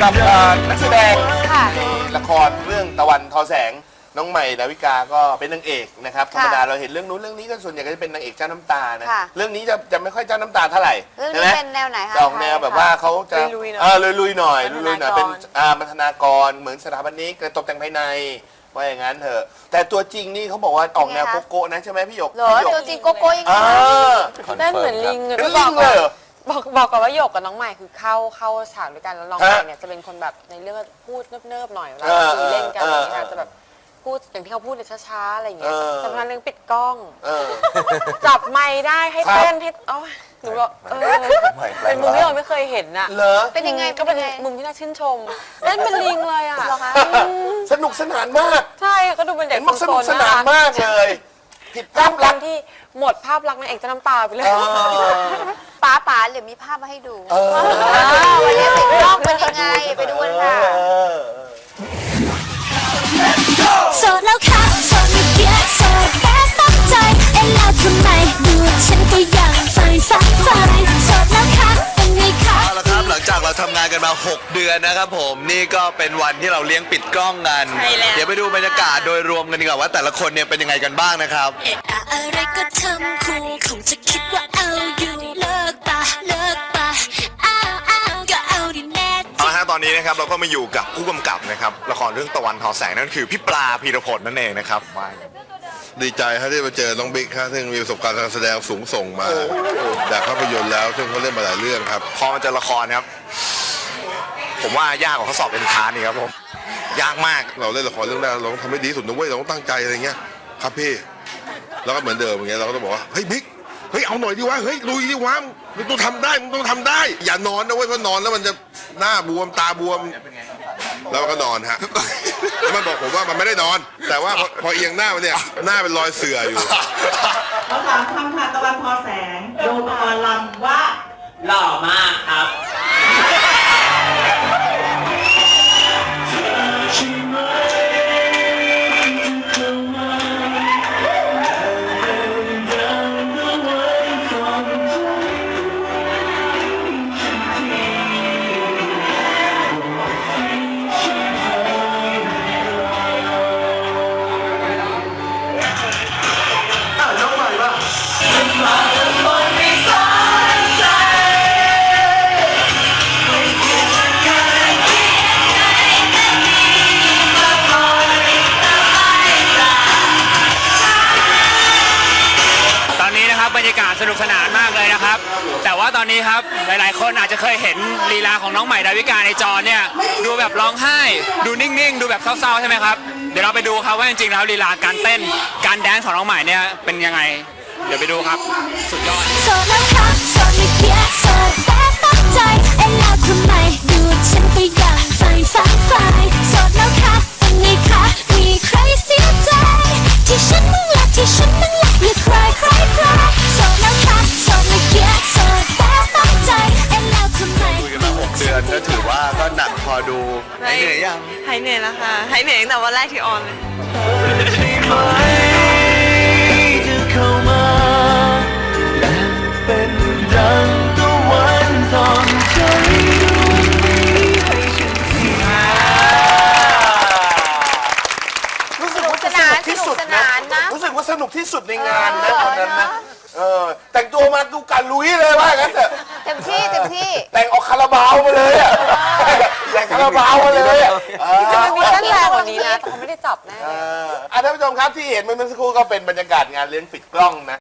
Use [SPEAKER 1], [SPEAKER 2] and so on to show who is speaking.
[SPEAKER 1] กับนักแสดง
[SPEAKER 2] ค่ะ
[SPEAKER 1] ละครเรื่องตะวันทอแสงน้องใหม่ดาวิกาก็เป็นนางเอกนะครับธรรมดาเราเห็นเรื่องนู้นเรื่องนี้ก็ส่วนใหญ่ก็จะเป็นนางเอกเจ้าน้ำตานะเรื่องนี้จะไม่ค่อยเจ้าน้ำตาเท่าไหร่
[SPEAKER 2] เรื่องนี้เป็นแนวไหนคะ
[SPEAKER 1] ออกแนวแบบว่าเขาจะลุยๆหน่อยเป็นบรรณากรเหมือนสถาปนิกตกแต่งภายในว่าอย่างนั้นเถอะแต่ตัวจริงนี่เขาบอกว่าออกแนวโกโก้นะใช่ไหมพี่หยก
[SPEAKER 2] เหรอตัวจริงโกโก้ยังไง
[SPEAKER 3] เต้นเหมือนลิง
[SPEAKER 1] เป็นลิงเลยเหรอ
[SPEAKER 3] บอกก่อนว่าหยกกับน้องใหม่คือเข้าฉากด้วยกันแล้วน้องใหม่เนี่ยจะเป็นคนแบบในเรื่องพูดเนิบๆหน่อยเวลาคุยเล่นกันอะไรเงี้ยจะแบบพูดอย่างที่เขาพูดเนี่ยช้าๆอะไรอย่างเงี้ยแต่พอเรื่องปิดกล้องจับไมค์ได้ให้เต้นให้หนูบอกเป็นมุมที่เราไม่เคยเห็นน่ะ
[SPEAKER 1] เหรอ
[SPEAKER 2] เป็นยังไง
[SPEAKER 3] ก็เป็นมุมที่น่าชื่นชมเล่นเป็นลิงเลยอ่ะ
[SPEAKER 1] สนุกสนานมาก
[SPEAKER 3] ใช่ก็ดูเป็นเด็ก
[SPEAKER 1] สนุกสนานมากเลยผิดภาพลักษณ์
[SPEAKER 3] ที่หมดภาพลักษณ์นางเอกจะน้ำตาไปเลย
[SPEAKER 2] ป๋าเดี๋ยวมีภาพมาให้ดูวันนี้ติดกล้องเป็นยังไงไปดูกันค่ะ
[SPEAKER 4] โสดแล้วค่ะโสดไม่เยอะโสดแค่ตั้งใจแล้วทำไมดูฉันก็ยังใฝ่ฝันโสดแล้วค่ะเป็นไงคะ
[SPEAKER 5] เอาละครับหลังจากเราทำงานกันมา6 เดือนนะครับผมนี่ก็เป็นวันที่เราเลี้ยงปิดกล้องกันเดี๋ยวไปดูบรรยากาศโดยรวมกันดีกว่าว่าแต่ละคนเนี่ยเป็นยังไงกันบ้างนะครับ
[SPEAKER 4] อะไรก็ทำคู่คงจะคิดว่าเอาอยู่เลิกปะอ้าวก็เอาดิแน่
[SPEAKER 5] เอาละฮะตอนนี้นะครับเราก็มาอยู่กับผู้กำกับนะครับละครเรื่องตะวันทอแสงนั่นคือพี่ปลาพีรพลนั่นเองนะครับ
[SPEAKER 6] ดีใจครับที่มาเจอน้องบิ๊กครับซึ่งมีประสบการณ์การแสดงสูงส่งมาจากภาพยนตร์แล้วซึ่งเขาเล่นมาหลายเรื่องครับ
[SPEAKER 5] พอมาเจอละครครับผมว่ายากกว่าเขาสอบเอนทรานซ์นี่ครับผมยากมาก
[SPEAKER 6] เราเล่นละครเรื่องแรกเราต้องทำให้ดีที่สุดนะเว้ยเราต้องตั้งใจอะไรเงี้ยครับพี่แล้วก็เหมือนเดิมอย่างเงี้ยเราก็ต้องบอกว่าเฮ้ยบิ๊กเฮ้ยเอาหน่อยดิวะเฮ้ยลุยดิวะมึงต้องทำได้อย่านอนนะเว้ยเพราะนอนแล้วมันจะหน้าบวมตาบวมแล้วก็นอนฮะแล้วมันบอกผมว่ามันไม่ได้นอนแต่ว่าพอเอียงหน้ามันเนี่ยหน้าเป็นรอยเสื่ออยู่
[SPEAKER 7] เขาถามคำค่ะตะวันทอแสงดูตะวันลำว่าหล่อมากครับ
[SPEAKER 8] บรรยากาศสนุกสนานมากเลยนะครับแต่ว่าตอนนี้ครับหลายๆคนอาจจะเคยเห็นลีลาของน้องใหม่ดาวิกาในจอเนี่ยดูแบบร้องไห้ดูนิ่งๆดูแบบเศร้าๆใช่ไหมครับเดี๋ยวเราไปดูครับว่าจริงๆแล้วลีลาการเต้นการแดนซ์ของน้องใหม่เนี่ยเป็นยังไงเดี๋ยวไปดูครับสุดยอด
[SPEAKER 4] โสดแล้วค่ะโสดไม่เยอะโสดแต่ตั้งใจแล้วทำไมดูฉันก็ยังใฝ่ฝันโสดแล้วค่ะเป็นไงคะมีใครเสียใจที่ฉันมึงรักอย่าใครโสดแล้วค่ะโสดไม่เยอะโสดแต่ตั้งใจแล้วทำไม
[SPEAKER 5] คุยกันมา6 เดือนก็ถือว่าก็หนักพอดูหายเหนื่อยยัง
[SPEAKER 3] หายเหนื่อยแล้วค่ะหายเหนื่อยตั้งแต่วันแรกที่ออนเลย
[SPEAKER 1] รู้สึกว่าสนุกที่สุดนะรู้สึกว่าสนุกที่สุดในงานนะตอนนั้นนะแต่งตัวมาดูการลุยเลยว่างั้นเถอะ
[SPEAKER 2] เต็มที่
[SPEAKER 1] แต่งออกคาราบาวมาเลยอ่ะแต่งคาราบาวมาเลยอ่ะ
[SPEAKER 3] จะมีเต้นแรงกว่านี้นะแต่เขาไม่ได้จับแน่
[SPEAKER 1] ท่านผู้ชมครับที่เห็นเมื่อสักครู่ก็เป็นบรรยากาศงานเลี้ยงปิดกล้องนะ